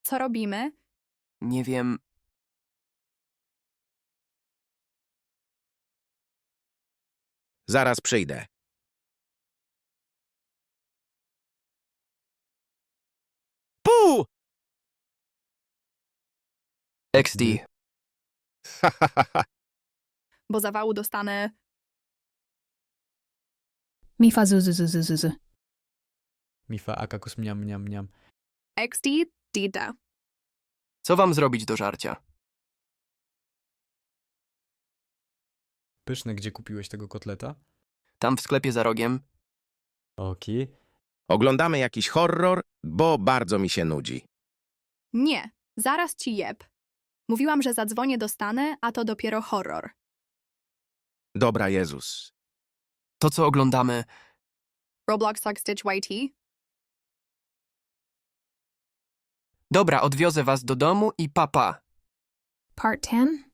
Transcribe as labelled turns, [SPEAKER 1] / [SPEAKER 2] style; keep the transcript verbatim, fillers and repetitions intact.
[SPEAKER 1] Co robimy?
[SPEAKER 2] Nie wiem.
[SPEAKER 3] Zaraz przyjdę. Pu!
[SPEAKER 2] X D.
[SPEAKER 3] Ha, ha, ha, ha.
[SPEAKER 1] Bo zawału dostanę.
[SPEAKER 4] Mifa zu, zu, zu, zu, zu, zu.
[SPEAKER 5] Mifa akakus mniam, mniam, mniam.
[SPEAKER 1] X D, Dida.
[SPEAKER 2] Co wam zrobić do żarcia?
[SPEAKER 5] Pyszne, gdzie kupiłeś tego kotleta?
[SPEAKER 2] Tam w sklepie za rogiem?
[SPEAKER 5] Oki.
[SPEAKER 3] Oglądamy jakiś horror, bo bardzo mi się nudzi.
[SPEAKER 1] Nie, zaraz ci jeb. Mówiłam, że zadzwonię do Stanę, a to dopiero horror.
[SPEAKER 3] Dobra, Jezus.
[SPEAKER 2] To co oglądamy?
[SPEAKER 1] Roblox Suck Stitch Y T?
[SPEAKER 2] Dobra, odwiozę was do domu i papa.
[SPEAKER 4] Part ten?